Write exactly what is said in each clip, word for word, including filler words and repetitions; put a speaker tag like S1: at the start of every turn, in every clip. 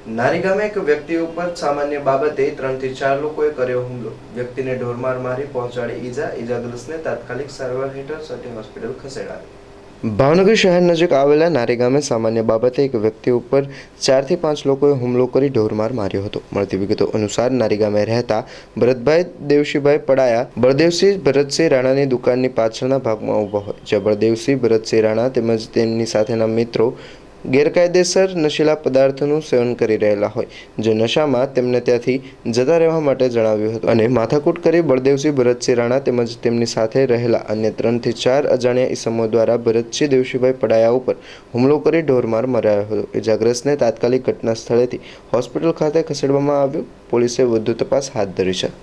S1: નારી ગામે એક વ્યક્તિ ઉપર સામાન્ય બાબતે ત્રણથી ચાર લોકોએ કર્યો હુમલો. વ્યક્તિને ઢોરમાર મારી પહોંચાડી ઈજા. ઈજાગ્રસ્તને તાત્કાલિક સારવાર હેઠળ સટી હોસ્પિટલ ખસેડાયો. ભાવનગર શહેર નજીક આવેલા નારી ગામે સામાન્ય બાબતે એક વ્યક્તિ ઉપર ચારથી પાંચ લોકોએ હુમલો કરી ઢોરમાર માર્યો હતો. મળતી વિગતો અનુસાર નારી ગામે રહેતા ભરતભાઈ દેવશીભાઈ પડાયા બળદેવસિંહ ભરતસિંહ રાણાની દુકાનની પાછળના ભાગમાં ઊભા હોય, જ્યાં બળદેવસિંહ ભરતસિંહ રાણા તેમજ તેમની સાથેના મિત્રો ગેરકાયદેસર નશીલા પદાર્થોનું સેવન કરી રહેલા હોય, જે નશામાં તેમને ત્યાંથી જતા રહેવા માટે જણાવ્યું હતું અને માથાકૂટ કરી બળદેવસિંહ ભરતસિંહ રાણા તેમજ તેમની સાથે રહેલા અન્ય ત્રણથી ચાર અજાણ્યા ઈસમો દ્વારા ભરતસિંહ દેવશીભાઈ પડાયા ઉપર હુમલો કરી ઢોરમાર મરાયો હતો. ઇજાગ્રસ્તને તાત્કાલિક ઘટના સ્થળેથી હોસ્પિટલ ખાતે ખસેડવામાં આવ્યો. પોલીસે વધુ તપાસ હાથ ધરી છે.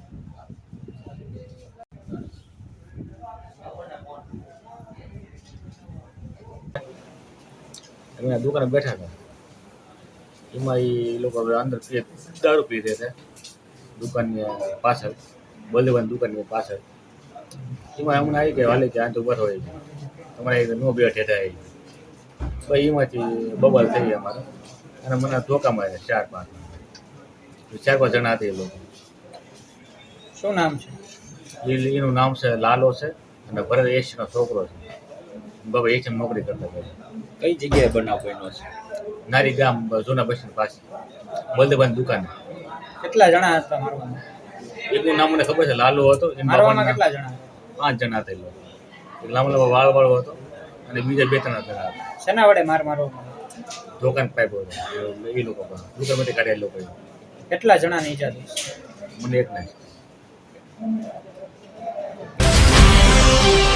S2: અમે દુકાને બેઠા હતા, એમાં એ લોકો અંદર પીએ દારૂ પી રહ્યા હતા દુકાનની પાછળ, બલદેવાની દુકાનની પાછળ. એમાં અમને આવી ગયા વાલે કે આ તો બર હોય તમારે નો બેઠે થાય ભાઈ. એમાંથી બબાલ થઈ અમારે અને મને ધોકા માર્યા ચાર પાંચ ચાર પાંચ જણા હતા. એ લોકો
S3: શું નામ છે?
S2: એ એનું નામ છે લાલો છે અને ભરત એશનો છોકરો છે. બાબા એશમ નોકરી કરતા હતા.
S3: કઈ જગ્યાએ બનાવ બન્યો છે?
S2: નારી ગામ જૂના બસ સ્ટેન્ડ પાસે બલદેવાની દુકાન.
S3: કેટલા જણા હતા મારવામાં?
S2: એકનું નામ મને ખબર છે, લાલો હતો.
S3: મારવામાં કેટલા જણા?
S2: પાંચ જણા હતા. એ લોકો એક લાંબો લાંબો વાળ વાળો હતો અને બીજા બે ત્રણ જણા હતા.
S3: શેના વડે માર મારવામાં?
S2: દુકાન પાઇપ હતો એ લોકો પણ દુકાનમાંથી કાઢ્યા એ લોકો.
S3: કેટલા જણાની ઈજા થઈ?
S2: મને એક નહીં.